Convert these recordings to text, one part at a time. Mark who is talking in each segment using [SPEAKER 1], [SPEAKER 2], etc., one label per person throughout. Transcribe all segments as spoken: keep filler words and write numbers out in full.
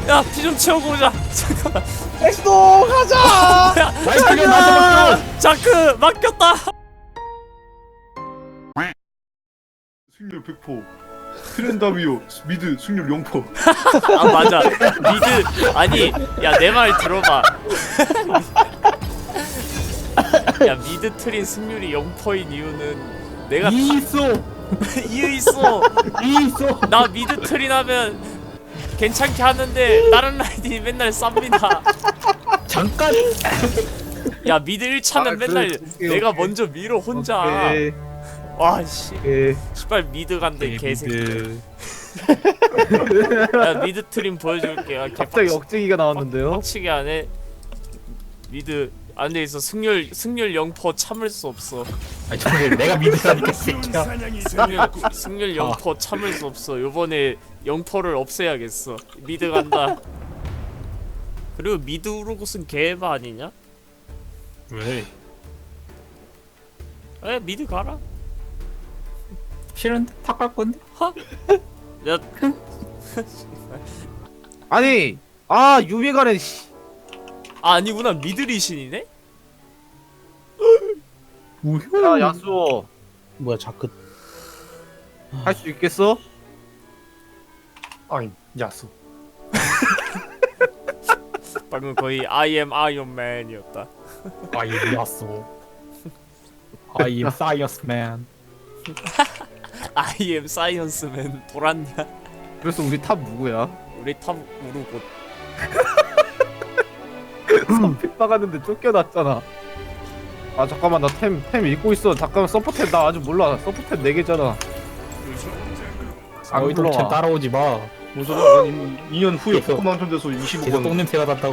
[SPEAKER 1] 야, 피 좀 채우고 오자. 잠깐만.
[SPEAKER 2] 엑스도 가자.
[SPEAKER 3] 마이클이 나한테
[SPEAKER 1] 자크 맡겼다.
[SPEAKER 4] 승률 백 퍼센트. 트렌다미오 미드 승률 영 퍼센트.
[SPEAKER 1] 아 맞아. 미드 아니 야 내 말 들어봐. 야 미드 트린 승률이 영 퍼센트인 이유는 내가
[SPEAKER 3] 이 있어
[SPEAKER 1] 이유 있어.
[SPEAKER 3] 이 있어.
[SPEAKER 1] 나 미드 트린 하면 괜찮게 하는데 다른 라인이 맨날 쌉니다.
[SPEAKER 3] 잠깐.
[SPEAKER 1] 야 미드 일 차는
[SPEAKER 4] 아, 그래,
[SPEAKER 1] 맨날
[SPEAKER 4] 오케이,
[SPEAKER 1] 내가
[SPEAKER 4] 오케이.
[SPEAKER 1] 먼저 밀어 혼자.
[SPEAKER 4] 오케이.
[SPEAKER 1] 와씨
[SPEAKER 4] 오케이.
[SPEAKER 1] 씨발 미드 간대 개새끼.
[SPEAKER 3] 미드.
[SPEAKER 1] 야 미드 트림 보여줄게. 야,
[SPEAKER 2] 갑자기 억제기가 나왔는데요.
[SPEAKER 1] 빡치게 안해. 미드 안돼 있어. 승률 승률 영 퍼센트 참을 수 없어.
[SPEAKER 3] 아니 정말 내가 미드라니까 새끼야.
[SPEAKER 1] 승률 승률 영 퍼센트 참을 수 없어. 요번에 영 퍼센트를 없애야겠어. 미드 간다. 그리고 미드 우르고스는 개바 아니냐?
[SPEAKER 3] 왜?
[SPEAKER 1] 에 미드 가라.
[SPEAKER 3] 싫은데 탁갈 건데?
[SPEAKER 1] 야
[SPEAKER 2] 아니, 아 유미가는 씨.
[SPEAKER 1] 아, 아니구나 미드 리신이네?
[SPEAKER 3] 우효.
[SPEAKER 2] 야 야수호
[SPEAKER 5] 뭐야 자크
[SPEAKER 2] 할 수 있겠어?
[SPEAKER 4] 아니 야수.
[SPEAKER 1] 방금 거의 I am Iron Man이었다.
[SPEAKER 3] I am 야쏘. I am science man.
[SPEAKER 1] I am Science Man 돌았냐?
[SPEAKER 2] 그래서 우리 탑 누구야?
[SPEAKER 1] 우리 탑 우르고.
[SPEAKER 2] 선픽 박았는데 쫓겨났잖아. 아 잠깐만 나 템 템 읽고 있어. 잠깐만 서포템 나 아직 몰라. 서포템 네 개잖아. 안
[SPEAKER 3] 어이 동체
[SPEAKER 2] 불러와.
[SPEAKER 3] 따라오지 마.
[SPEAKER 4] 뭔 소리야? 이 년 후에
[SPEAKER 3] 계속-
[SPEAKER 4] 포커망 턴돼서 이십오
[SPEAKER 3] 계속
[SPEAKER 4] 번.
[SPEAKER 3] 똥냄새가 난다고.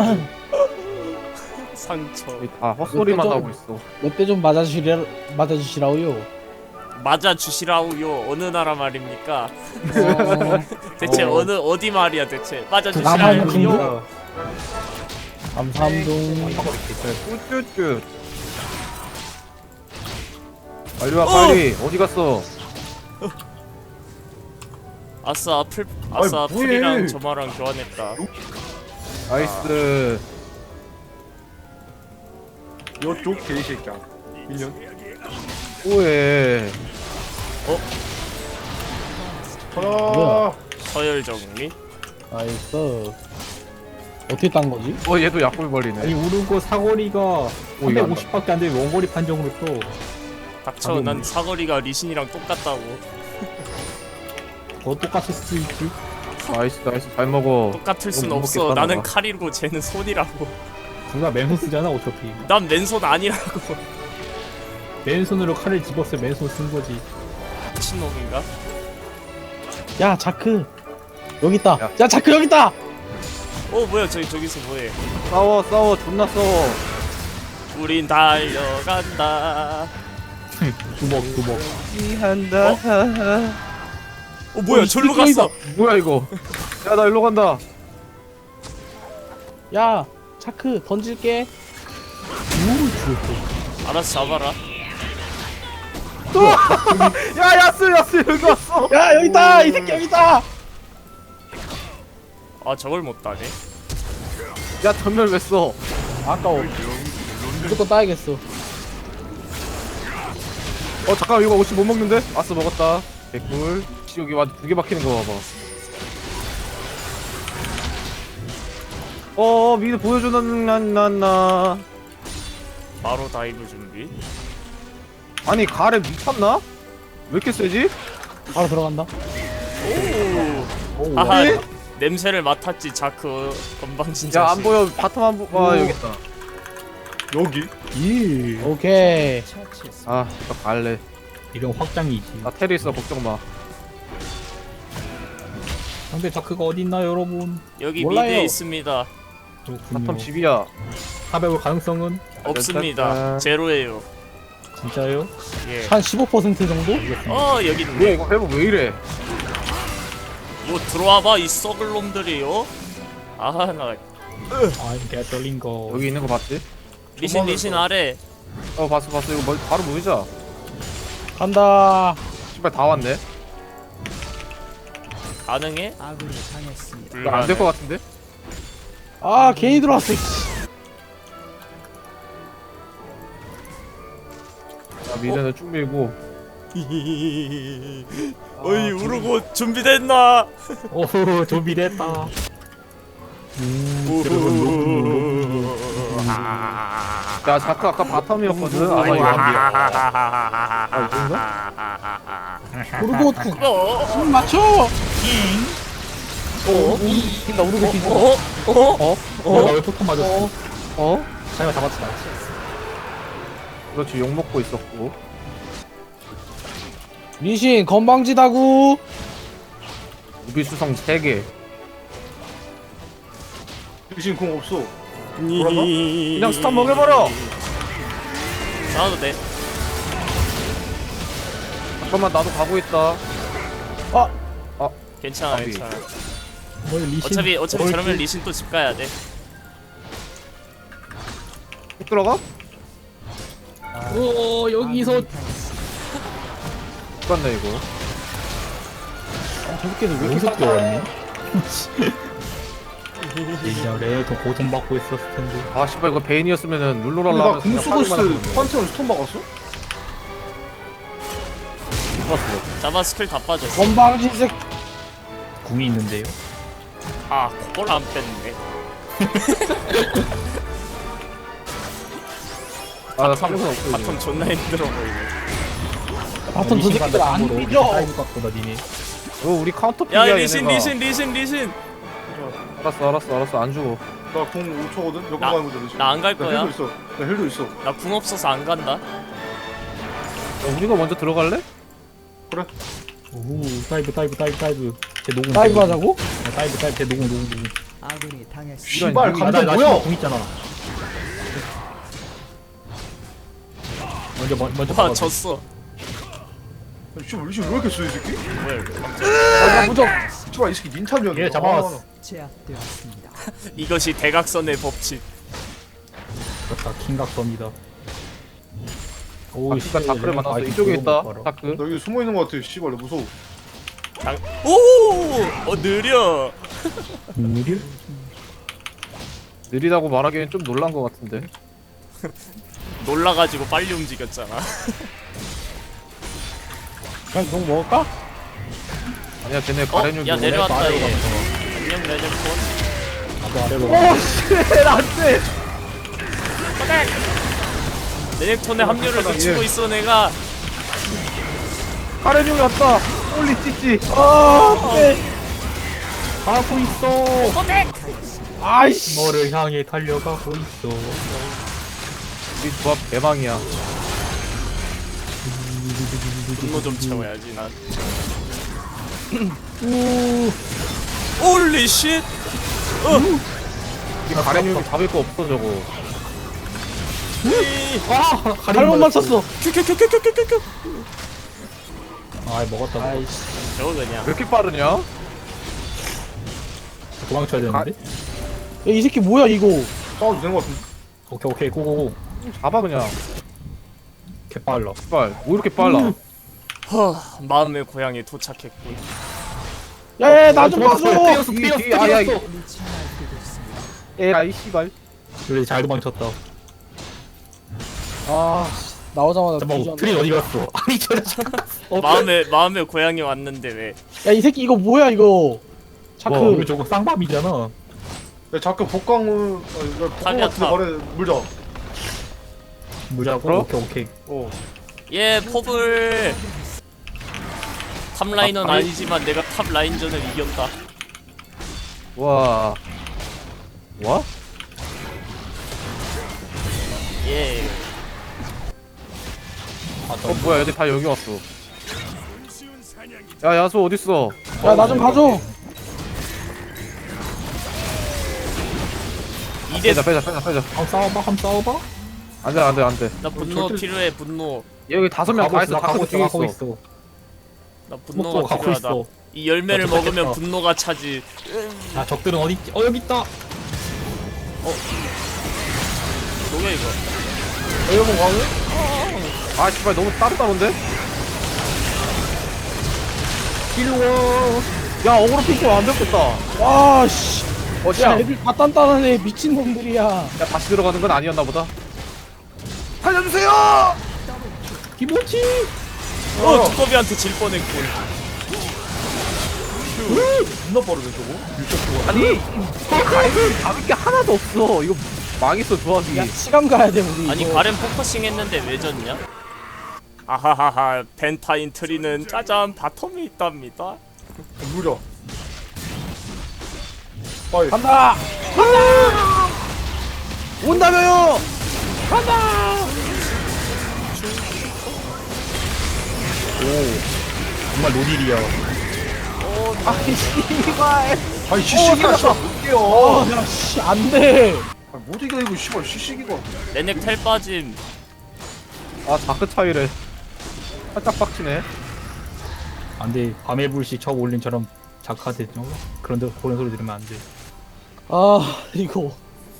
[SPEAKER 1] 상처.
[SPEAKER 2] 아 헛소리만
[SPEAKER 5] 좀-
[SPEAKER 2] 하고 있어.
[SPEAKER 5] 몇 대 좀 맞아주시라 맞아주시라고요.
[SPEAKER 1] 맞아 주시라우요. 어느 나라 말입니까?
[SPEAKER 5] 어,
[SPEAKER 1] 대체
[SPEAKER 2] 어.
[SPEAKER 1] 어. 느 어디 말이야 대체? 맞아
[SPEAKER 5] 남한
[SPEAKER 1] 주시라우요.
[SPEAKER 5] 중국? 감사함동.
[SPEAKER 2] 쭈쭈쭈. 빨리 와 빨리. 어디 갔어?
[SPEAKER 1] 아싸 풀 아싸
[SPEAKER 4] 아이, 뭐해.
[SPEAKER 1] 풀이랑 점화랑 교환했다.
[SPEAKER 2] 나이스.
[SPEAKER 4] 여쪽 개새끼야. 인연.
[SPEAKER 2] 오해.
[SPEAKER 4] 가라.
[SPEAKER 1] 서열 정리.
[SPEAKER 5] 나이스. 어떻게 딴 거지?
[SPEAKER 2] 어 얘도 약골 벌리네.
[SPEAKER 3] 아니 우르고 사거리가
[SPEAKER 2] 오, 이거
[SPEAKER 3] 삼백오십밖에 안 돼. 원거리 판정으로 또.
[SPEAKER 1] 닥쳐.
[SPEAKER 3] 가격이.
[SPEAKER 1] 난 사거리가 리신이랑 똑같다고.
[SPEAKER 3] 더 똑같을 수도 있지.
[SPEAKER 2] 나이스 나이스 잘 먹어.
[SPEAKER 1] 똑같을 순
[SPEAKER 2] 못
[SPEAKER 1] 없어.
[SPEAKER 2] 먹겠다,
[SPEAKER 1] 나는
[SPEAKER 2] 나.
[SPEAKER 1] 칼이고 쟤는 손이라고.
[SPEAKER 3] 둘 다 맨손 쓰잖아 어차피.
[SPEAKER 1] 난 맨손 아니라고.
[SPEAKER 3] 맨손으로 칼을 집었어. 맨손 쓴 거지.
[SPEAKER 1] 미친놈인가?
[SPEAKER 5] 야 자크 여기 있다.
[SPEAKER 2] 야.
[SPEAKER 5] 야, 자크 여기 있다.
[SPEAKER 1] 어 뭐야 저기 저기서 뭐해?
[SPEAKER 2] 싸워 싸워 존나 싸워.
[SPEAKER 1] 우린 달려간다.
[SPEAKER 3] 두먹 두먹.
[SPEAKER 2] 한다.
[SPEAKER 1] 어 뭐야
[SPEAKER 5] 어, 이
[SPEAKER 1] 절로
[SPEAKER 5] 스피커이다.
[SPEAKER 1] 갔어.
[SPEAKER 2] 뭐야 이거? 야 나 일로 간다.
[SPEAKER 5] 야 자크 던질게.
[SPEAKER 1] 알아서 잡아라.
[SPEAKER 2] 야 야스 야스 여기 왔어.
[SPEAKER 5] 야 여기 있다. 이 새끼 여기 있다.
[SPEAKER 1] 아 저걸 못 따네.
[SPEAKER 2] 야 전멸 왜 써?
[SPEAKER 5] 아까워. 무조건 따야겠어.
[SPEAKER 2] 어 잠깐 이거 혹시 못 먹는데? 아스 먹었다. 개꿀. 혹시 여기 완전 두개 박히는 거 봐봐. 어 미드 보여주는 난난나.
[SPEAKER 1] 바로 다이브 준비.
[SPEAKER 2] 아니 가래 미쳤나? 왜 이렇게 세지?
[SPEAKER 5] 바로 들어간다.
[SPEAKER 1] 오.
[SPEAKER 3] 오,
[SPEAKER 1] 아하
[SPEAKER 2] 네?
[SPEAKER 1] 냄새를 맡았지 자크 건방진 자식.
[SPEAKER 2] 야 안 보여. 바텀 안 보. 와 여기 있다.
[SPEAKER 4] 여기.
[SPEAKER 3] 예.
[SPEAKER 5] 오케이.
[SPEAKER 2] 아 이거 갈래.
[SPEAKER 3] 이런 확장이지.
[SPEAKER 2] 나 테리 있어 걱정 마.
[SPEAKER 3] 상대 자크가 어딨나 여러분?
[SPEAKER 1] 여기
[SPEAKER 5] 몰라요.
[SPEAKER 1] 미드에 있습니다.
[SPEAKER 3] 그렇군요.
[SPEAKER 2] 바텀 집이야.
[SPEAKER 3] 탑해볼 가능성은
[SPEAKER 1] 없습니다.
[SPEAKER 2] 짠짠짠.
[SPEAKER 1] 제로예요.
[SPEAKER 3] 진짜요?
[SPEAKER 1] 예.
[SPEAKER 5] 한 십오 퍼센트 정도?
[SPEAKER 1] 어 여기
[SPEAKER 2] 뭐야
[SPEAKER 1] 있네.
[SPEAKER 2] 이거 회복 왜 이래?
[SPEAKER 1] 뭐 들어와봐 이 썩을 놈들이요. 아나
[SPEAKER 3] 아 이게 떨린 거.
[SPEAKER 2] 여기 있는 거 봤지?
[SPEAKER 1] 리신 리신 아래.
[SPEAKER 2] 어 봤어 봤어 이거 뭐, 바로 모이자.
[SPEAKER 5] 간다.
[SPEAKER 2] 씨발 다 왔네.
[SPEAKER 1] 가능해?
[SPEAKER 2] 이거 안 될 거 같은데?
[SPEAKER 5] 아 괜히 들어왔어. 씨.
[SPEAKER 2] 야 미드는 쭉 밀고.
[SPEAKER 1] 어이 우르고 준비됐나?
[SPEAKER 3] 오호 좀비 됐다.
[SPEAKER 2] 야 자크 아까 바텀이었거든. 아마 이거 아 이건가?
[SPEAKER 5] 오르고
[SPEAKER 1] 어?
[SPEAKER 5] 숨 맞춰.
[SPEAKER 1] 어?
[SPEAKER 5] 나 오르고 뒤.
[SPEAKER 1] 어? 어?
[SPEAKER 3] 어? 나왜 포탄 맞았어?
[SPEAKER 2] 어?
[SPEAKER 3] 자기가 잡았다.
[SPEAKER 2] 그렇지 욕 먹고 있었고.
[SPEAKER 5] 리신 건방지다구.
[SPEAKER 2] 우비수성 세 개.
[SPEAKER 4] 리신 공 없어.
[SPEAKER 2] 그냥 스탑 먹여버려.
[SPEAKER 1] 나와도 돼.
[SPEAKER 2] 잠깐만 나도 가고 있다.
[SPEAKER 5] 아
[SPEAKER 1] 괜찮아
[SPEAKER 2] 아비.
[SPEAKER 1] 괜찮아.
[SPEAKER 3] 뭐 리신.
[SPEAKER 1] 어차피 어차피
[SPEAKER 3] 뭘
[SPEAKER 1] 저러면
[SPEAKER 3] 또-
[SPEAKER 1] 리신 또 집 가야 돼.
[SPEAKER 2] 쭉 들어가?
[SPEAKER 3] 오 여기서
[SPEAKER 2] 죽겠네 이거.
[SPEAKER 5] 아, 저 새끼들 왜 이렇게
[SPEAKER 3] 여기서
[SPEAKER 5] 싹
[SPEAKER 3] 뛰어왔네. 예전에 더 고통받고 있었을 텐데.
[SPEAKER 2] 아 씨발 이거 베인이었으면은 룰루랄라
[SPEAKER 4] 나
[SPEAKER 2] 하면서 그냥
[SPEAKER 4] 궁수고스
[SPEAKER 2] 파밍만 하면
[SPEAKER 4] 판테온 스톤 막았어?
[SPEAKER 2] 죽었어.
[SPEAKER 1] 자바 스킬 다 빠졌어.
[SPEAKER 5] 건방진 새끼.
[SPEAKER 3] 궁이 있는데요.
[SPEAKER 1] 아 그걸 안 뺐네.
[SPEAKER 2] 아나 삼성 없어 이제.
[SPEAKER 1] 바텀 존나 힘들어 보이네.
[SPEAKER 5] 바텀 저 새끼들 안 삐져.
[SPEAKER 3] 사이브 갖고다 니네.
[SPEAKER 2] 어 우리 카운터
[SPEAKER 1] 야
[SPEAKER 2] 피야
[SPEAKER 1] 리신
[SPEAKER 2] 얘네가.
[SPEAKER 1] 리신 리신 리신.
[SPEAKER 2] 알았어 알았어 알았어 안 죽어.
[SPEAKER 4] 나 공 오 초거든? 몇 번
[SPEAKER 1] 나-
[SPEAKER 4] 가는 거잖아 리신.
[SPEAKER 1] 나안 갈
[SPEAKER 4] 나
[SPEAKER 1] 거야.
[SPEAKER 4] 헬도 있어. 나 헬도 있어.
[SPEAKER 1] 나 궁 없어서 안 간다.
[SPEAKER 2] 야, 우리가 먼저 들어갈래?
[SPEAKER 3] 오 다이브 다이브 다이브 다이브. 제 녹음.
[SPEAKER 5] 다이브 하자고?
[SPEAKER 3] 아, 다이브 다이브 제 녹음 녹음 녹음.
[SPEAKER 6] 아군이 당했습니다.
[SPEAKER 4] 씨발
[SPEAKER 2] 이런-
[SPEAKER 3] 아,
[SPEAKER 4] 감자
[SPEAKER 3] 나, 나
[SPEAKER 4] 뭐야?
[SPEAKER 3] 지금 궁 있잖아. 먼저 먼- 먼저
[SPEAKER 1] 와
[SPEAKER 3] 박아줘.
[SPEAKER 1] 졌어.
[SPEAKER 4] 씨발 리신 왜 이렇게 쏘이 새끼?
[SPEAKER 1] 뭐야 이거.
[SPEAKER 5] 아 무적.
[SPEAKER 4] 씨발 이 새끼 닌탑이었네.
[SPEAKER 3] 얘 잡아왔어.
[SPEAKER 6] 제압되었습니다.
[SPEAKER 1] 이것이 대각선의 법칙.
[SPEAKER 3] 그렇다 킹각섬이다. 오
[SPEAKER 2] 바퀴가 다크를 만났어. 이쪽에 있다. 다크.
[SPEAKER 4] 나 여기 숨어 있는 거 같아. 씨발 나 무서워.
[SPEAKER 1] 장... 오! 어 느려.
[SPEAKER 3] 느려?
[SPEAKER 2] 느리다고 말하기엔 좀 놀란 것 같은데.
[SPEAKER 1] 놀라가지고 빨리 움직였잖아.
[SPEAKER 5] 그냥 동 먹을까?
[SPEAKER 2] 아니야 쟤네
[SPEAKER 1] 어?
[SPEAKER 2] 가렌육이
[SPEAKER 1] 야
[SPEAKER 2] 오네.
[SPEAKER 1] 내려왔다
[SPEAKER 3] 아래로
[SPEAKER 1] 얘.
[SPEAKER 3] 갔어.
[SPEAKER 1] 안녕 레전폰.
[SPEAKER 3] 나도 아래로
[SPEAKER 2] 오
[SPEAKER 3] 가.
[SPEAKER 2] 쉣 안돼.
[SPEAKER 1] 레넥톤의 합류를 놓치고 있어 내가.
[SPEAKER 2] 가렌육이 왔다. 홀리 찌찌.
[SPEAKER 5] 아 네.
[SPEAKER 3] 가고 있어.
[SPEAKER 5] 아이씨.
[SPEAKER 3] 너를 향해 달려가고 있어.
[SPEAKER 2] 우리 조합 대망이야.
[SPEAKER 1] 분노 좀 채워야지 난.
[SPEAKER 5] 우.
[SPEAKER 1] 홀리 쉣.
[SPEAKER 2] 이 가렌육이 잡을 거 없어 저거.
[SPEAKER 3] 아
[SPEAKER 5] 잘못 맞췄어.
[SPEAKER 1] 큐큐큐큐큐큐큐.
[SPEAKER 3] 아 먹었다.
[SPEAKER 5] 아이씨.
[SPEAKER 1] 저거 그냥.
[SPEAKER 2] 왜 이렇게 빠르냐?
[SPEAKER 3] 도망쳐야 되는데.
[SPEAKER 5] 야, 이 새끼 뭐야 이거?
[SPEAKER 4] 싸워도 되는 거 같은데.
[SPEAKER 3] 오케이 오케이 고고고.
[SPEAKER 2] 잡아 그냥.
[SPEAKER 3] 개빨라.
[SPEAKER 2] 씨발 뭐 이렇게 빨라?
[SPEAKER 1] 허 마음의 고향에 도착했군.
[SPEAKER 5] 야야 나 좀 봐줘.
[SPEAKER 3] 뛰었어
[SPEAKER 2] 이-
[SPEAKER 3] 뛰었어
[SPEAKER 2] 이- 아, 야,
[SPEAKER 3] 뛰었어.
[SPEAKER 2] 에라이 씨발.
[SPEAKER 3] 그래 잘 도망쳤다.
[SPEAKER 5] 아 나오자마자
[SPEAKER 3] 잠깐만
[SPEAKER 5] 뒤졌네.
[SPEAKER 3] 트린 어디 갔어? 아니 저 잠깐.
[SPEAKER 1] 마음의 마음의 고향에 왔는데 왜?
[SPEAKER 5] 야 이 새끼 이거 뭐야 이거? 자크.
[SPEAKER 3] 와 우리 저거 쌍밤이잖아.
[SPEAKER 4] 야 자꾸 복강을 아, 복강
[SPEAKER 1] 탑이야,
[SPEAKER 4] 같은데
[SPEAKER 1] 탑.
[SPEAKER 4] 말해 물자.
[SPEAKER 3] 무자고
[SPEAKER 2] 그럼?
[SPEAKER 3] 오케이 오케이.
[SPEAKER 4] 어.
[SPEAKER 1] 예 포블. 탑 라인은
[SPEAKER 2] 아, 아니-
[SPEAKER 1] 아니지만 내가 탑 라인전을 이겼다.
[SPEAKER 2] 와. 와?
[SPEAKER 1] 예.
[SPEAKER 2] 어 뭐야 얘들 다 여기 왔어. 야 야수 어딨어?
[SPEAKER 5] 야 나 좀 봐줘.
[SPEAKER 1] 이대
[SPEAKER 2] 빼자 빼자 빼자 빼자.
[SPEAKER 3] 한번 싸워봐 한번 싸워봐.
[SPEAKER 2] 안돼 안돼 안돼.
[SPEAKER 1] 나 분노
[SPEAKER 4] 절대-
[SPEAKER 1] 필요해 분노.
[SPEAKER 2] 여기 다섯 명 다
[SPEAKER 3] 가고
[SPEAKER 2] 있어.
[SPEAKER 3] 있어
[SPEAKER 2] 다크
[SPEAKER 3] 가고
[SPEAKER 2] 뒤에
[SPEAKER 3] 있어 가고
[SPEAKER 2] 있어.
[SPEAKER 3] 있어.
[SPEAKER 1] 나
[SPEAKER 3] 먹고
[SPEAKER 1] 분노가
[SPEAKER 3] 가고
[SPEAKER 1] 필요하다.
[SPEAKER 3] 있어.
[SPEAKER 1] 이 열매를
[SPEAKER 3] 나 도착했다.
[SPEAKER 1] 먹으면 분노가 차지.
[SPEAKER 3] 아 적들은 어디 있지? 어 여기 있다.
[SPEAKER 1] 뭐야 이거?
[SPEAKER 2] 에어본 광을? 아 씨발 너무 따로따로인데?
[SPEAKER 3] 일로 와.
[SPEAKER 2] 야 어그로 핑크 안 됐겠다.
[SPEAKER 5] 와 씨.
[SPEAKER 2] 어,
[SPEAKER 5] 야
[SPEAKER 2] 야,
[SPEAKER 5] 애들 다 단단하네 미친놈들이야.
[SPEAKER 2] 야, 다시 들어가는 건 아니었나 보다. 살려주세요!
[SPEAKER 3] 김치.
[SPEAKER 1] 어 두꺼비한테 질 뻔했군.
[SPEAKER 4] 존나 빠르네 저거.
[SPEAKER 2] 아니, 가입이 잡을 게 하나도 없어. 이거 망했어, 조합이.
[SPEAKER 5] 야 시간 가야 돼 우리.
[SPEAKER 1] 아니
[SPEAKER 5] 이거.
[SPEAKER 1] 가렌 포커싱 했는데 왜 졌냐? 아하하하 벤타인 트리는 짜잔 바텀에 있답니다.
[SPEAKER 4] 물어. 아이.
[SPEAKER 5] 간다.
[SPEAKER 2] 온다며요!
[SPEAKER 3] 정말 노딜이야.
[SPEAKER 2] 아이, 씨발.
[SPEAKER 4] 아니 시식이가 씨발 못 깨요.
[SPEAKER 5] 어야씨 안돼.
[SPEAKER 4] 아니, 못 이겨 이거 씨발 시식이가.
[SPEAKER 1] 레넥 텔 빠짐.
[SPEAKER 2] 아, 다크 차이래. 살짝 빡치네.
[SPEAKER 3] 안돼. 밤의 불씨 척 올린처럼 작화됐죠. 그런데 그런 소리 들으면 안 돼.
[SPEAKER 5] 아 이거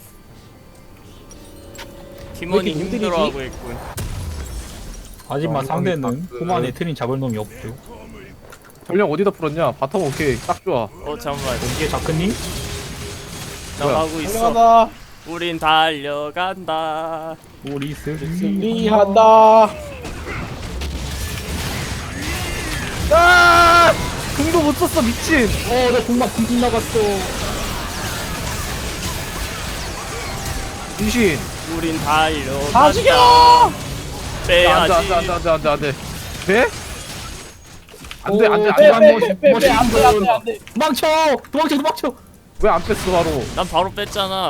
[SPEAKER 1] 팀원이
[SPEAKER 5] 왜 이렇게 힘들이지?
[SPEAKER 1] 힘들어하고 있군.
[SPEAKER 3] 하지만
[SPEAKER 2] 어,
[SPEAKER 3] 상대는
[SPEAKER 2] 그-
[SPEAKER 3] 후반에 트린 잡을 놈이 없죠.
[SPEAKER 2] 전령 어디다 풀었냐? 바텀 오케이. 딱 좋아.
[SPEAKER 1] 어 잠깐만
[SPEAKER 3] 이게 자크님?
[SPEAKER 1] 나
[SPEAKER 2] 뭐야?
[SPEAKER 1] 가고 있어.
[SPEAKER 5] 달려간다.
[SPEAKER 1] 우린 달려간다.
[SPEAKER 3] 우리 승리.
[SPEAKER 5] 승리한다.
[SPEAKER 2] 아! 궁도 못 썼어, 미친!
[SPEAKER 3] 어, 나 공막 빙 나갔어.
[SPEAKER 2] 미신.
[SPEAKER 1] 우린 달려간다.
[SPEAKER 5] 다 죽여.
[SPEAKER 2] 야,
[SPEAKER 1] 빼야지.
[SPEAKER 2] 안 돼, 안 돼, 안 돼, 안 돼, 안 돼. 돼? 안 돼, 안 돼, 안
[SPEAKER 3] 빼,
[SPEAKER 2] 돼.
[SPEAKER 3] 빼.
[SPEAKER 5] 빼빼빼빼 안돼 안돼 안돼.
[SPEAKER 3] 도망쳐! 도망쳐! 도망쳐!
[SPEAKER 2] 왜 안 뺐어, 바로?
[SPEAKER 1] 난 바로 뺐잖아.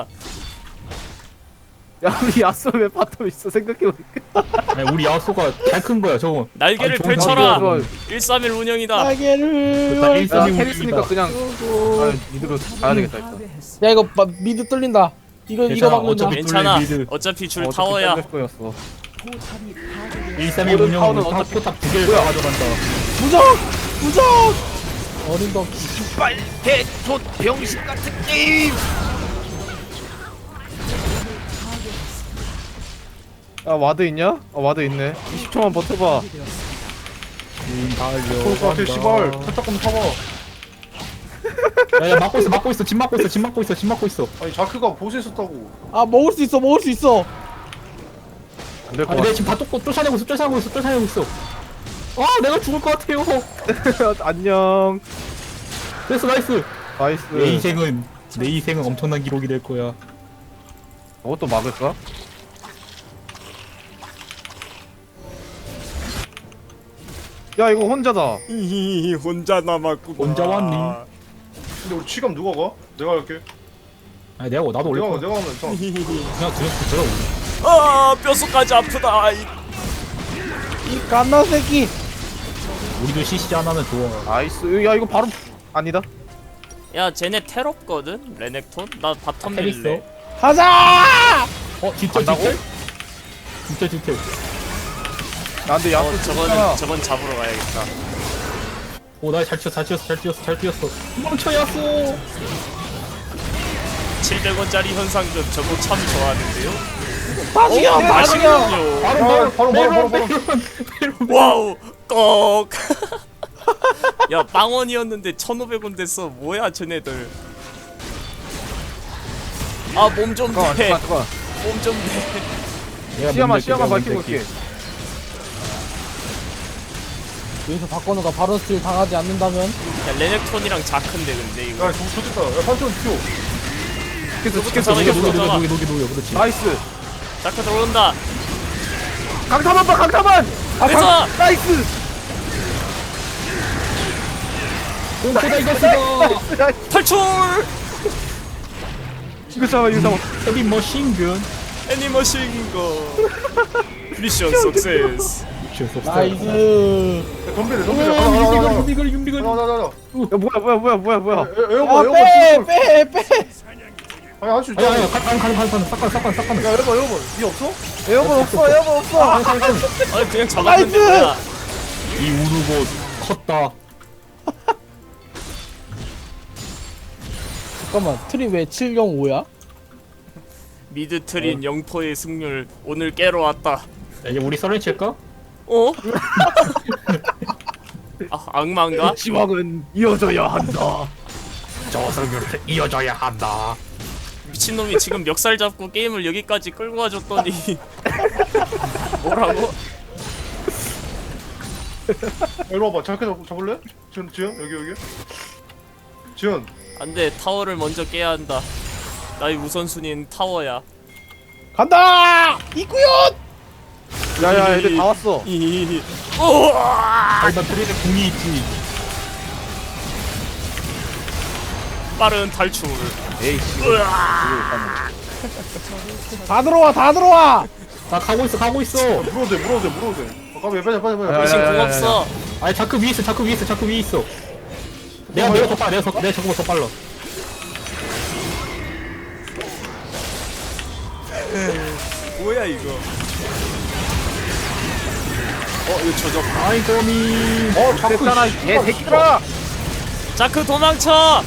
[SPEAKER 2] 야, 우리 야스 왜 바텀 있어, 생각해보니까.
[SPEAKER 3] 아니, 우리 야소가 잘 큰 거야, 저거.
[SPEAKER 1] 날개를
[SPEAKER 3] 아니, 좋은
[SPEAKER 1] 펼쳐라.
[SPEAKER 3] 생각이야,
[SPEAKER 1] 일삼일 운영이다.
[SPEAKER 5] 날개를.
[SPEAKER 3] 일단
[SPEAKER 2] 야,
[SPEAKER 3] 일삼이
[SPEAKER 2] 캐리스니까
[SPEAKER 3] 운영이다.
[SPEAKER 2] 그냥, 아, 미드로 가야 되겠다, 일단.
[SPEAKER 5] 야 이거 마, 미드 뚫린다. 이거 이거
[SPEAKER 3] 괜찮아,
[SPEAKER 5] 막는다.
[SPEAKER 3] 어차피
[SPEAKER 1] 괜찮아.
[SPEAKER 3] 미드.
[SPEAKER 1] 어차피 줄
[SPEAKER 2] 어차피
[SPEAKER 1] 타워야.
[SPEAKER 2] 잘릴 거였어.
[SPEAKER 3] 일삼이
[SPEAKER 2] 모든
[SPEAKER 3] 운영은
[SPEAKER 2] 타워는
[SPEAKER 3] 탑
[SPEAKER 2] 어차피-
[SPEAKER 3] 포탑 두 개를
[SPEAKER 2] 뭐야?
[SPEAKER 3] 가져간다.
[SPEAKER 5] 무적 무적. 어린 덕.
[SPEAKER 2] 개촌 병신 같은 게임! 야, 와드 있냐? 아, 와드 있네. 이십 초만 버텨봐.
[SPEAKER 3] 음,
[SPEAKER 4] 그럴 것 같아 씨발.
[SPEAKER 3] 달려.
[SPEAKER 4] 살짝 좀 타봐.
[SPEAKER 3] 야, 야, 막고 있어, 막고 있어, 집 막고 있어, 집 막고 있어, 집 막고 있어.
[SPEAKER 4] 아니 자크가 보스에 썼다고.
[SPEAKER 5] 아 먹을 수 있어 먹을 수 있어.
[SPEAKER 2] 안 될 것
[SPEAKER 3] 아니,
[SPEAKER 2] 같아.
[SPEAKER 3] 내가 지금 다 쫓고 쫓아내고 있어, 쫓아내고 있어, 쫓아내고 있어. 아, 내가 죽을 것 같아요.
[SPEAKER 2] 안녕.
[SPEAKER 3] 됐어, 나이스.
[SPEAKER 2] 나이스.
[SPEAKER 3] 내 인생은 내 인생은 엄청난 기록이 될 거야.
[SPEAKER 2] 저것도 막을까? 야, 이거 혼자다.
[SPEAKER 1] 히히 혼자 남았구나.
[SPEAKER 3] 혼자 왔니?
[SPEAKER 4] 근데 우리 치감 누가 가? 내가 갈게.
[SPEAKER 3] 아니 내가 나도 올릴
[SPEAKER 4] 내가
[SPEAKER 3] 거야.
[SPEAKER 4] 내가 하면 이상.
[SPEAKER 3] 그냥 그냥 제가 올려.
[SPEAKER 1] 아 뼛속까지 아프다. 아이,
[SPEAKER 5] 이 갓나 새끼.
[SPEAKER 3] 우리도 씨씨 하나는 좋아.
[SPEAKER 2] 나이스. 야, 이거 바로 아니다.
[SPEAKER 1] 야 쟤네 텔 없거든? 레넥톤? 나 바텀
[SPEAKER 3] 텔 있어?
[SPEAKER 1] 밀래.
[SPEAKER 5] 가자.
[SPEAKER 3] 어 진짜
[SPEAKER 2] 간다고?
[SPEAKER 3] 진짜? 진짜 진짜.
[SPEAKER 2] 야, 근데 야스
[SPEAKER 1] 어 저거는 저건 잡으러 가야겠다.
[SPEAKER 3] 오나잘 치었어 잘 치었어 잘 치었어 잘 치었어. 도망쳐야쏘.
[SPEAKER 1] 칠백 원짜리 현상금 저거 참 좋아하는데요?
[SPEAKER 5] 다 죽여 다 죽여.
[SPEAKER 1] 맛있군요.
[SPEAKER 3] 바로
[SPEAKER 4] 바로, 바로, 바로, 바로, 바로.
[SPEAKER 1] 와우 꺽. 야 빵원이었는데 천오백 원 됐어. 뭐야 쟤네들. 아 몸 좀
[SPEAKER 2] 잠깐만,
[SPEAKER 1] 대.
[SPEAKER 2] 잠깐만, 잠깐만.
[SPEAKER 1] 몸 좀 대.
[SPEAKER 3] 내가
[SPEAKER 2] 시야만,
[SPEAKER 3] 먼저
[SPEAKER 2] 시야만
[SPEAKER 3] 할게,
[SPEAKER 2] 밝히고
[SPEAKER 3] 내가
[SPEAKER 2] 올게.
[SPEAKER 5] 여기서 바꿔놓가 바로 스틸 당하지 않는다면.
[SPEAKER 1] 야 레넥톤이랑 자크인데 근데 이거.
[SPEAKER 4] 야 저거 좋겠다. 야 판테온 튀어.
[SPEAKER 2] 찍혔어, 찍혔어,
[SPEAKER 1] 잠깐만,
[SPEAKER 3] 녹여
[SPEAKER 1] 이거
[SPEAKER 2] 찍혔어.
[SPEAKER 3] 녹여
[SPEAKER 1] 쏘잖아.
[SPEAKER 3] 녹여 녹여 녹여 그렇지.
[SPEAKER 2] 나이스.
[SPEAKER 1] 자크 들어온다.
[SPEAKER 2] 강타만 봐, 강타만! 아,
[SPEAKER 1] 됐어!
[SPEAKER 2] 강, 나이스!
[SPEAKER 3] 공포다 이것이다.
[SPEAKER 2] 나이스.
[SPEAKER 1] 탈출.
[SPEAKER 2] 이거 잡아, 이거 잡아.
[SPEAKER 3] 헤비 머신건.
[SPEAKER 1] 애니머신거. 미션 석세스.
[SPEAKER 5] 나이스.
[SPEAKER 4] 야 덤벼래 덤벼래. 가자 가자
[SPEAKER 3] 윤비글
[SPEAKER 4] 가자.
[SPEAKER 3] 윤비글 윤비글.
[SPEAKER 4] 가자 가자 가자.
[SPEAKER 2] 야, 뭐야, 뭐야, 뭐야, 뭐야, 뭐야.
[SPEAKER 4] 에- 에어버 에어버
[SPEAKER 5] 야빼
[SPEAKER 4] 씨발.
[SPEAKER 5] 빼 빼.
[SPEAKER 4] 아니 할수
[SPEAKER 3] 아니
[SPEAKER 4] 있다.
[SPEAKER 3] 아니 가는 가는 가는 싹간 싹간 싹간.
[SPEAKER 4] 야 에어버 에어버. 니 없어?
[SPEAKER 2] 에어본 없어, 에어본 없어.
[SPEAKER 3] 가는 가는 가는.
[SPEAKER 1] 아니 그냥 잡았는데
[SPEAKER 5] 나이스!
[SPEAKER 1] 뭐야.
[SPEAKER 3] 이 우르고 컸다.
[SPEAKER 5] 잠깐만 트리 왜 칠영오야?
[SPEAKER 1] 미드 트린 영포의 승률 오늘 깨러 왔다.
[SPEAKER 3] 야, 이제 우리 썰렌 칠까?
[SPEAKER 1] 어? 아 악마인가?
[SPEAKER 2] 지왕은 이어져야 한다.
[SPEAKER 3] 저 승률 이어져야 한다.
[SPEAKER 1] 미친놈이 지금 멱살 잡고 게임을 여기까지 끌고 와줬더니 뭐라고?
[SPEAKER 4] 이리 와봐. 잠깐 잡, 잡을래? 지현 지현 여기 여기. 지현.
[SPEAKER 1] 안돼, 타워를 먼저 깨야 한다. 나의 우선순위는 타워야.
[SPEAKER 5] 간다! 이구요!
[SPEAKER 2] 야야 애들 다 왔어.
[SPEAKER 1] 이 우와!
[SPEAKER 3] 아니 나 트레이드 궁이 있지.
[SPEAKER 1] 빠른 탈출.
[SPEAKER 2] 에이씨.
[SPEAKER 1] 으아!
[SPEAKER 5] 다 들어와 다 들어와!
[SPEAKER 3] 나 가고 있어 가고 있어.
[SPEAKER 4] 물어도 돼 물어도 돼 물어도 돼. 어, 빨리 빨리 빨리
[SPEAKER 2] 야,
[SPEAKER 4] 빨리.
[SPEAKER 1] 미친
[SPEAKER 2] 야, 야,
[SPEAKER 1] 궁
[SPEAKER 2] 야,
[SPEAKER 1] 없어.
[SPEAKER 3] 아니 자크 위에 있어 자크 위에 있어 자크 위에 있어. 내가 내가 더 빨라 내가 더, 내가 저거보다 더 빨라.
[SPEAKER 1] 뭐야 이거? 어 이거 저저.
[SPEAKER 3] 아이 거미.
[SPEAKER 2] 어 됐잖아 이 개새끼들아.
[SPEAKER 1] 자크 도망쳐.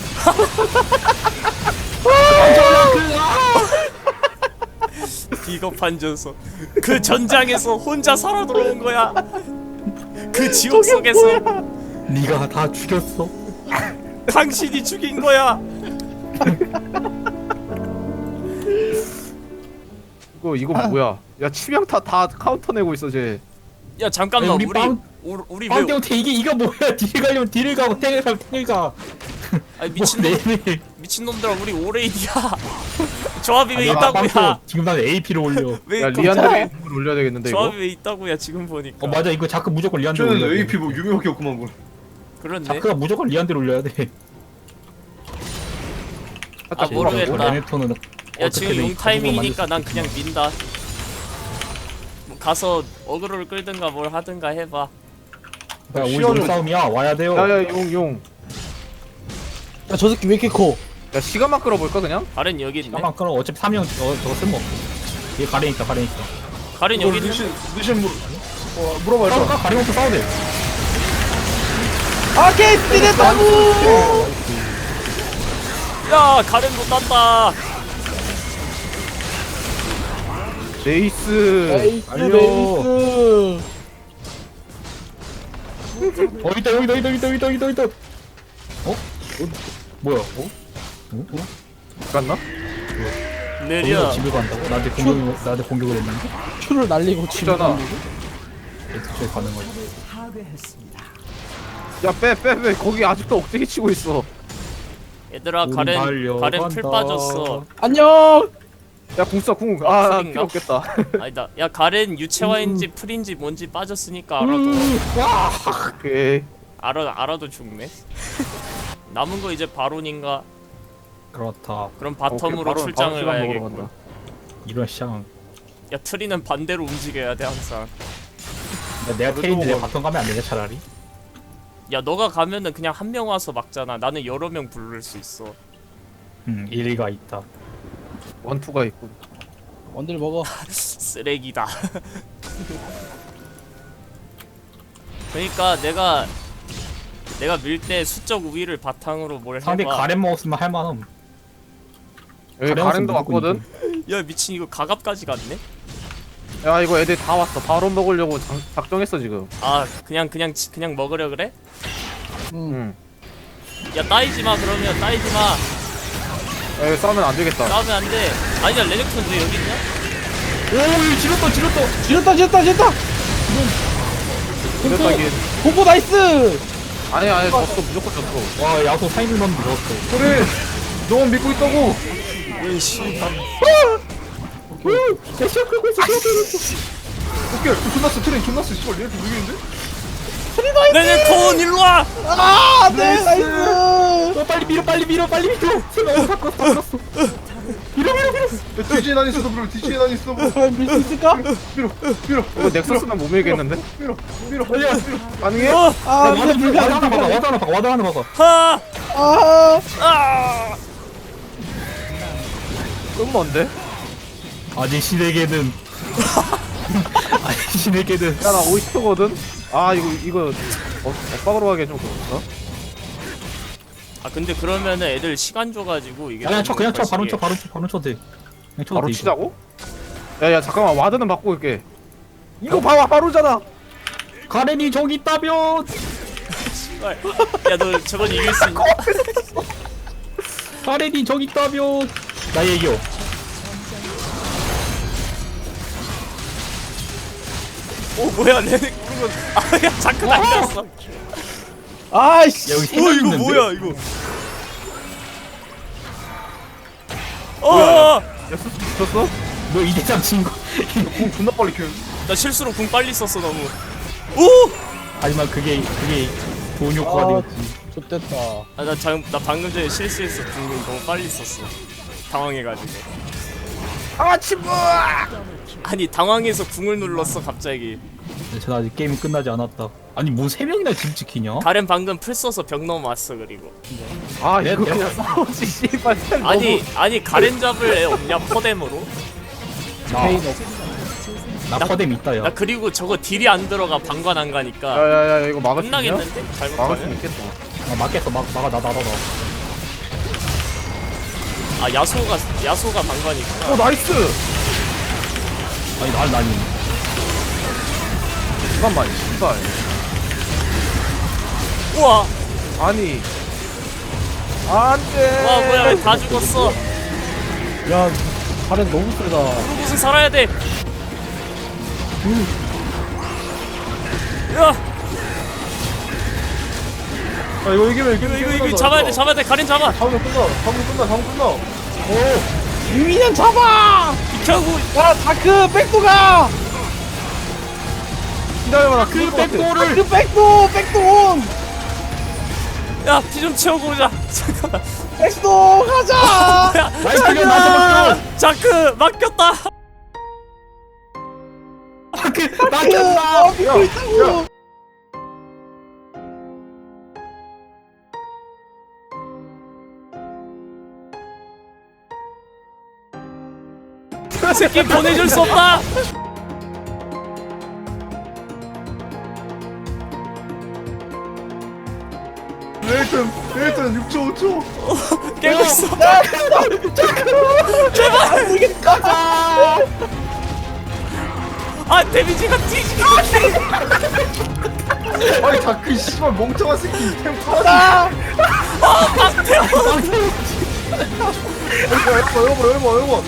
[SPEAKER 1] 비겁한 녀석. 그 전장에서 혼자 살아 돌아온 거야. 그 지옥 속에서
[SPEAKER 3] 네가 다 죽였어.
[SPEAKER 1] 당신이 죽인 거야.
[SPEAKER 2] 이거 이거 뭐야? 야 치명타 다 카운터 내고 있어 쟤.
[SPEAKER 1] 야 잠깐만,
[SPEAKER 3] 아니, 우리
[SPEAKER 1] 우리
[SPEAKER 3] 빵-
[SPEAKER 1] 우리, 우리 왜?
[SPEAKER 3] 빵태한테 이게 이거 뭐야? 딜 가려면 딜을 가고 탱을 가면 탱을 가.
[SPEAKER 1] 아니
[SPEAKER 3] 뭐
[SPEAKER 1] 미친놈,
[SPEAKER 3] 내내.
[SPEAKER 1] 미친놈들아, 우리 오레이디야. 조합이 왜
[SPEAKER 3] 아,
[SPEAKER 1] 있다고야?
[SPEAKER 3] 빵태 지금 나는 에이피를 올려.
[SPEAKER 1] 왜
[SPEAKER 2] 야
[SPEAKER 1] 있고-
[SPEAKER 2] 리안드레 이걸 올려야 되겠는데 이거.
[SPEAKER 1] 조합이 왜 있다고야 지금 보니까.
[SPEAKER 3] 어 맞아 이거 자크 무조건 리안드
[SPEAKER 4] 쟤는
[SPEAKER 3] 올려.
[SPEAKER 4] 에이피 뭐 유명하게 없구만 뭐.
[SPEAKER 1] 그렇네.
[SPEAKER 3] 자크가 무조건 리안드 올려야 돼.
[SPEAKER 1] 아 모르겠다.
[SPEAKER 3] 레네톤은
[SPEAKER 1] 야 지금 용 타이밍이니까 난 그냥 민다. 뭐 가서 어그로를 끌든가 뭘 하든가 해봐.
[SPEAKER 3] 야, 우리
[SPEAKER 4] 시연은-
[SPEAKER 3] 용 싸움이야 와야 돼요.
[SPEAKER 2] 야야 용 용.
[SPEAKER 5] 야 저 새끼 왜 이렇게 커?
[SPEAKER 2] 야 시간만 끌어볼까 그냥?
[SPEAKER 1] 가렌 여기 있네.
[SPEAKER 3] 잠깐만 끊어. 어차피 삼 형 어, 저거 쓸모없어. 얘 가렌 있다 가렌 있다.
[SPEAKER 1] 가렌
[SPEAKER 4] 이거
[SPEAKER 1] 여기 있네.
[SPEAKER 4] 리신 리신 물. 어 물어봐
[SPEAKER 3] 싸울까?
[SPEAKER 4] 일단.
[SPEAKER 3] 가렌 없어 싸워야 돼.
[SPEAKER 5] 아 개새끼 됐다고!
[SPEAKER 1] 야 가렌도 땄다.
[SPEAKER 2] 네이스.
[SPEAKER 5] 레이스
[SPEAKER 3] 알려.
[SPEAKER 5] 레이스!
[SPEAKER 3] 어 있다 여기다 여기다 여기다 여기다 여기다 여기다. 어? 어? 뭐야? 어? 어? 어?
[SPEAKER 2] 갔나?
[SPEAKER 1] 느려.
[SPEAKER 3] 거기서 집에 간다고? 나한테 공격 나한테 공격을 했는데?
[SPEAKER 5] 큐를 날리고 집에
[SPEAKER 2] 있잖아.
[SPEAKER 5] 날리고.
[SPEAKER 3] 애초에 가는 거지.
[SPEAKER 6] 파괴했습니다.
[SPEAKER 2] 야 빼 빼 빼 거기 아직도 억제기 치고 있어.
[SPEAKER 1] 얘들아
[SPEAKER 3] 우리
[SPEAKER 1] 가렌
[SPEAKER 3] 달려간다.
[SPEAKER 1] 가렌 풀 빠졌어.
[SPEAKER 5] 안녕!
[SPEAKER 2] 야 궁써 궁.
[SPEAKER 1] 아,
[SPEAKER 2] 아
[SPEAKER 1] 풀인가?
[SPEAKER 2] 필요 없겠다.
[SPEAKER 1] 아니다. 야 가렌 유채화인지 풀인지 뭔지 빠졌으니까 알아도
[SPEAKER 2] 오케이.
[SPEAKER 1] 알아 알아도 죽네. 남은 거 이제 바론인가?
[SPEAKER 3] 그렇다.
[SPEAKER 1] 그럼
[SPEAKER 2] 오케이,
[SPEAKER 1] 바텀으로
[SPEAKER 2] 바로-
[SPEAKER 1] 출장을
[SPEAKER 2] 바로 시간 먹으러
[SPEAKER 1] 가야겠고.
[SPEAKER 2] 간다.
[SPEAKER 3] 이런 샹.
[SPEAKER 1] 야 트리는 반대로 움직여야 돼 항상.
[SPEAKER 3] 야, 내가
[SPEAKER 4] 그래도
[SPEAKER 3] 테인데
[SPEAKER 4] 뭐-
[SPEAKER 3] 내가 바텀 가면 안 되냐 차라리?
[SPEAKER 1] 야 너가 가면은 그냥 한 명 와서 막잖아. 나는 여러 명 부를 수 있어.
[SPEAKER 3] 응 일리가 있다.
[SPEAKER 2] 원투가 있고.
[SPEAKER 5] 원딜 먹어.
[SPEAKER 1] 쓰레기다. 그러니까 내가 내가 밀 때 수적 우위를 바탕으로 뭘
[SPEAKER 3] 상대
[SPEAKER 1] 해봐.
[SPEAKER 3] 가렌 먹었으면 할만함.
[SPEAKER 2] 여기
[SPEAKER 3] 가렌
[SPEAKER 2] 가렌도
[SPEAKER 3] 무조건
[SPEAKER 2] 왔거든.
[SPEAKER 3] 이겨.
[SPEAKER 1] 야 미친 이거 가갑까지 갔네?
[SPEAKER 2] 야 이거 애들 다 왔어. 바로 먹으려고 장, 작정했어 지금.
[SPEAKER 1] 아 그냥 그냥 치- 그냥 먹으려 그래?
[SPEAKER 5] 응.
[SPEAKER 2] 응.
[SPEAKER 1] 야 따이지 마 그러면 따이지 마.
[SPEAKER 2] 야 이거 싸우면 안 되겠다.
[SPEAKER 1] 싸우면 안 돼. 아니야 레넥톤 왜 여기 있냐?
[SPEAKER 3] 오 지렸다 지렸다.
[SPEAKER 5] 지렸다 지렸다 지렸다!
[SPEAKER 2] 그랬다 긴.
[SPEAKER 5] 보고 나이스!
[SPEAKER 2] 아니 아니 졌어 무조건 졌어.
[SPEAKER 3] 와 야소 타이밍 넣는데 넣었어.
[SPEAKER 2] 그래. 너 믿고 있다고.
[SPEAKER 4] 오케이 존나 스 트레인 존나 스 씨발 얘한테 누구인데?
[SPEAKER 1] 레넥톤 일로 와.
[SPEAKER 5] 아! 네 나이스!
[SPEAKER 3] 어, 빨리 밀어 빨리 밀어 빨리 밀어. 제가 어디 갔어 다 갔어. 밀어 밀어 밀어.
[SPEAKER 4] 야 뒤지에 난 있어도 물어 뒤지에 난 있어 뭐.
[SPEAKER 5] 과연 밀 수 있을까?
[SPEAKER 4] 밀어 밀어
[SPEAKER 2] 이거 넥서스는 못 밀겠는데?
[SPEAKER 4] 밀어 밀어
[SPEAKER 3] 빨리야.
[SPEAKER 2] 가능해?
[SPEAKER 1] 어.
[SPEAKER 5] 아
[SPEAKER 3] 와드
[SPEAKER 5] 근데
[SPEAKER 3] 와드 하나 박아
[SPEAKER 5] 불가능.
[SPEAKER 3] 와드 하나 박아 와드 하나 박아.
[SPEAKER 1] 하.
[SPEAKER 5] 아!
[SPEAKER 1] 아.
[SPEAKER 2] 좀 먼데?
[SPEAKER 3] 아직 신에게는 아직 신에게는
[SPEAKER 2] 야 나 오십 초거든? 아 이거 이거 어, 엇박으로 하기 좀 그렇다.
[SPEAKER 1] 아 근데 그러면은 애들 시간 줘가지고 이게.
[SPEAKER 3] 그냥 쳐 그냥 쳐 바로
[SPEAKER 1] 거시기해.
[SPEAKER 3] 쳐 바로 쳐 바로 쳐도 돼. 그냥 쳐도
[SPEAKER 2] 바로
[SPEAKER 3] 돼,
[SPEAKER 2] 치자고? 야야 잠깐만 와드는 바꾸고 올게. 이거 봐봐 바로잖아.
[SPEAKER 3] 이거. 가렌이 저기 있다면
[SPEAKER 1] 야 너 저건 이길 수 있냐?
[SPEAKER 3] 가렌이 저기 있다며. 나 얘기요.
[SPEAKER 1] 오 뭐야 레넥 그건 아야 자크 날렸어.
[SPEAKER 5] 아이씨.
[SPEAKER 3] 여기
[SPEAKER 1] 오
[SPEAKER 3] 세명
[SPEAKER 1] 이거
[SPEAKER 3] 있는데?
[SPEAKER 1] 뭐야 이거. 어나
[SPEAKER 2] 야 수수 붙였어?
[SPEAKER 3] 너 이대장 친 거.
[SPEAKER 4] 공 존나 빨리 켜.
[SPEAKER 1] 실수로 궁 빨리 썼어 너무. 오!
[SPEAKER 3] 하지만 그게 그게 좋은 효과가
[SPEAKER 5] 아,
[SPEAKER 3] 되었지.
[SPEAKER 5] 좋됐다.
[SPEAKER 1] 아나 나 방금 전에 실수했어. 궁 너무 빨리 썼어. 당황해가지고.
[SPEAKER 2] 아 친구!
[SPEAKER 1] 아니 당황해서 궁을 눌렀어 갑자기.
[SPEAKER 3] 전 아직 게임이 끝나지 않았다. 아니 뭐 세 명이나 집 지키냐?
[SPEAKER 1] 가렌 방금 풀 써서 벽 넘어왔어 그리고.
[SPEAKER 2] 아
[SPEAKER 3] 내-
[SPEAKER 2] 이거
[SPEAKER 3] 내가-
[SPEAKER 2] 그냥 싸우지 씨발 템
[SPEAKER 1] 아니 아니 가렌 잡을 애 없냐 퍼뎀으로?
[SPEAKER 3] 나,
[SPEAKER 5] 페인 없.
[SPEAKER 3] 나 퍼뎀 있다 야.
[SPEAKER 1] 나 그리고 저거 딜이 안 들어가 방관 안 가니까
[SPEAKER 2] 야야야 이거 막을 수 있냐?
[SPEAKER 1] 끝나겠는데?
[SPEAKER 2] 막을 수
[SPEAKER 1] 잘못하면?
[SPEAKER 2] 있겠다
[SPEAKER 3] 아, 맞겠어 막 막아 나나 나 나.
[SPEAKER 1] 아 야소가 야소가 방관이 있구나.
[SPEAKER 2] 어 나이스!
[SPEAKER 3] 아니 날 나니.
[SPEAKER 2] 잠깐만 씨발
[SPEAKER 1] 우와
[SPEAKER 2] 아니 안돼
[SPEAKER 1] 와 뭐야 왜 다 죽었어.
[SPEAKER 5] 야, 가렌 너무 세다.
[SPEAKER 1] 무슨 살아야 돼. 야
[SPEAKER 2] 아 이거 이기면
[SPEAKER 1] 이거 이거 이거 잡아야 돼 잡아야 돼 가렌 잡아.
[SPEAKER 2] 다음에 끝나 다음에 끝나 다음에 끝나
[SPEAKER 5] 유민현 잡아!
[SPEAKER 1] 비켜고
[SPEAKER 5] 야, 다크 백도가!
[SPEAKER 2] 기다려봐 나
[SPEAKER 3] 그
[SPEAKER 2] 죽을 것 같아.
[SPEAKER 3] 백도를
[SPEAKER 5] 다크 백도! 백도 온!
[SPEAKER 1] 야 피 좀 채우고 오자. 잠깐만.
[SPEAKER 5] 백도 가자!
[SPEAKER 1] 야
[SPEAKER 3] 나이스 클리어 나이스
[SPEAKER 1] 자크 맡겼다.
[SPEAKER 3] 마크
[SPEAKER 5] 다크!
[SPEAKER 3] 막혔다.
[SPEAKER 5] 어, 믿고 있다고!
[SPEAKER 1] 그 새끼 보내줄 수 없다.
[SPEAKER 4] 레이튼 레이튼 육 초 오 초.
[SPEAKER 1] 깨고 있어. 아 데미지가 뒤지게.
[SPEAKER 4] 아니 다크 씨발 멍청한 새끼 템 팔아.
[SPEAKER 2] 여보 여보 여보 여보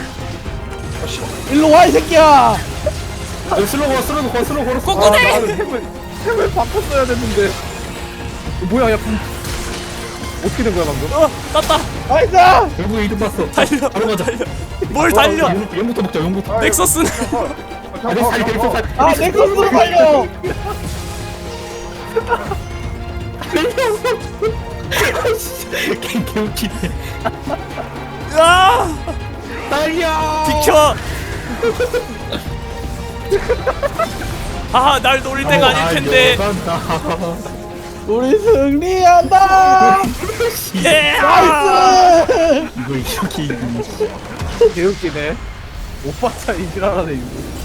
[SPEAKER 5] 일로 와, 이 새끼야!
[SPEAKER 3] 여기 슬로우 걸어 슬로우 걸어 슬로우 걸어.
[SPEAKER 1] 꼬꼬대.
[SPEAKER 2] 나는 템을 템을 바꿨어야 됐는데 뭐야 야 분- 어떻게 된 거야 방금?
[SPEAKER 1] 어 땄다.
[SPEAKER 5] 나이스!
[SPEAKER 3] 결국에 이득 봤어.
[SPEAKER 1] 달려.
[SPEAKER 3] 바로 가자.
[SPEAKER 1] 달려. 뭘 달려?
[SPEAKER 3] 용- 용부터 먹자 용부터.
[SPEAKER 1] 넥서스는
[SPEAKER 3] 아니 살이 넥서 살.
[SPEAKER 5] 아, 넥서스로 달려!
[SPEAKER 3] 개 개웃기네.
[SPEAKER 1] 야
[SPEAKER 3] 달려.
[SPEAKER 1] 비켜. 아날 노릴 때가 아닐 텐데.
[SPEAKER 5] 우리 승리한다!
[SPEAKER 1] 예.
[SPEAKER 5] 나이스!
[SPEAKER 3] 이거 이렇게 이기네.
[SPEAKER 2] 개웃기네 오빠 차이 지랄하네 이거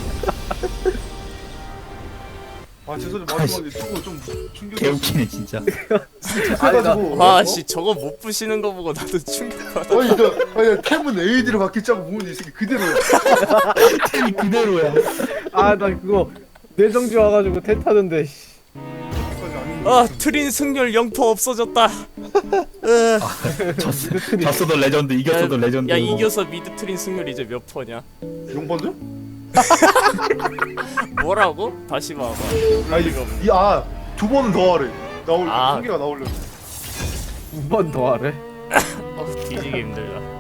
[SPEAKER 4] 아 죄송해요 마지막에 저거 좀 충격.
[SPEAKER 3] 개웃기네 진짜.
[SPEAKER 4] 해가지고.
[SPEAKER 1] 아씨 저거 못 부시는 거 보고 나도 충격받아.
[SPEAKER 4] 아니 나 아니 템은 에이디를 바뀌자고 보면 이 새끼 그대로야.
[SPEAKER 3] 템이 그대로야.
[SPEAKER 2] 아 나 그거 뇌정지 와가지고 태 타는데 씨.
[SPEAKER 1] 아 트린 승률 영 퍼센트 없어졌다. 으.
[SPEAKER 3] 졌- 졌어도 레전드 이겼어도 레전드.
[SPEAKER 1] 야 이겨서 미드 트린 승률 이제 몇 퍼냐?
[SPEAKER 4] 용번들?
[SPEAKER 1] 뭐라고? 다시 봐봐.
[SPEAKER 4] 아니 아두 번은 더 하래. 나올
[SPEAKER 1] 아.
[SPEAKER 4] 한 개가 나오려.
[SPEAKER 2] 두 번 더 하래
[SPEAKER 1] 어 뒤지게 힘들다.